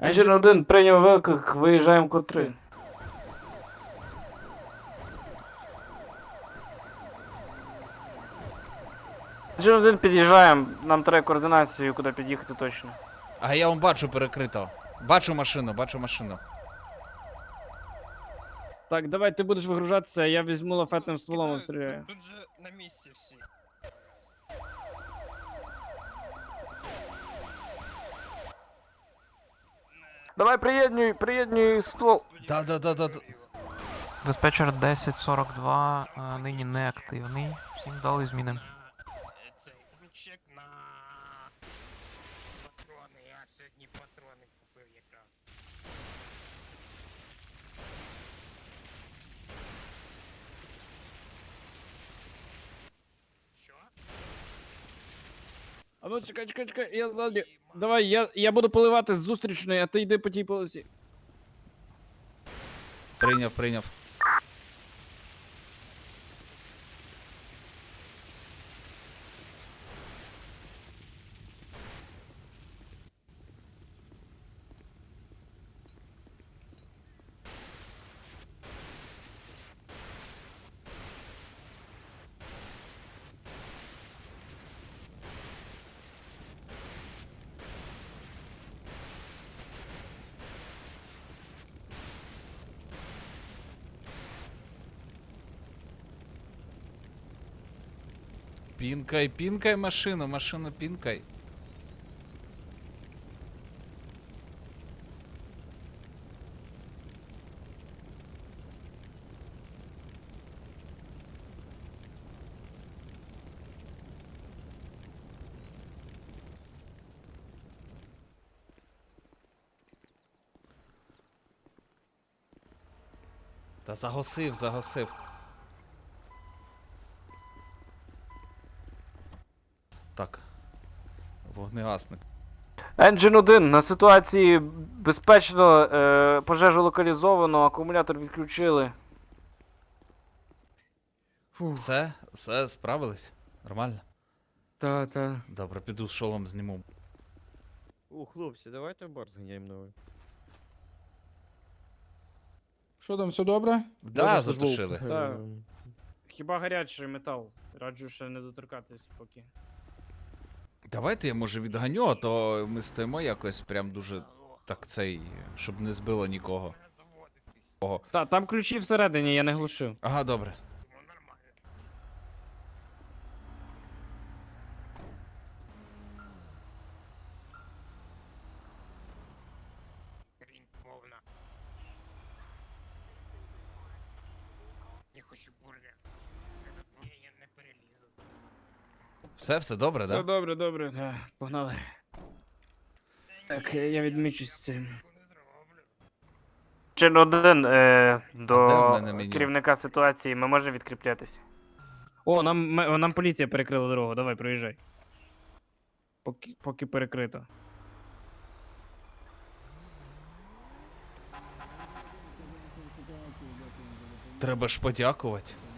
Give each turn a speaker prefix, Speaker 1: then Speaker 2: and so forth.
Speaker 1: Engine 1 прийняв виклик, виїжджаємо код 3. Engine 1 під'їжджаємо, нам треба координацію, куди під'їхати точно.
Speaker 2: А я вам бачу перекрито. Бачу машину, бачу машину.
Speaker 1: Так, давай ти будеш вигружатися, а я візьму лафетним стволом обстріляю.
Speaker 3: Тут же на місці всі.
Speaker 1: Давай приєднюй ствол.
Speaker 2: Да.
Speaker 4: Диспетчер 1042 нині не активний. Всім дали зміни.
Speaker 3: Цей чек на патрони. Я сьогодні патрони купив якраз. Що?
Speaker 1: А ну чекай, я ззаді. Давай, я буду поливати з зустрічної, а ти йди по тій полосі.
Speaker 2: Прийняв. Пінкай машину пінкай. Та загасив. Так. Вогнегасник.
Speaker 1: Engine 1, на ситуації безпечно, пожежу локалізовано, акумулятор відключили.
Speaker 2: Все, справились? Нормально?
Speaker 1: Та.
Speaker 2: Добре, піду з шолом зніму.
Speaker 5: О, хлопці, давайте в бар зганяємо новий.
Speaker 6: Що там, все добре?
Speaker 2: Да, затушили.
Speaker 1: Так. Хіба гарячий метал? Раджу ще не доторкатись поки.
Speaker 2: Давайте я може відганю, а то ми стоїмо якось прям дуже так цей, щоб не збило нікого.
Speaker 1: Та, там ключі всередині, я не глушив.
Speaker 2: Ага, добре.
Speaker 3: Ну нормально. Рінь повна. Я хочу бургер. Ні, я не перелізу.
Speaker 2: Все добре,
Speaker 1: Все
Speaker 2: да?
Speaker 1: добре. Погнали. Так, я відмічусь з цим. Чин 1
Speaker 2: А де в
Speaker 1: до
Speaker 2: мене меню?
Speaker 1: керівника ситуації, ми можемо відкріплятися. О, нам поліція перекрила дорогу, давай, проїжджай. Поки перекрито.
Speaker 2: Треба ж подякувати.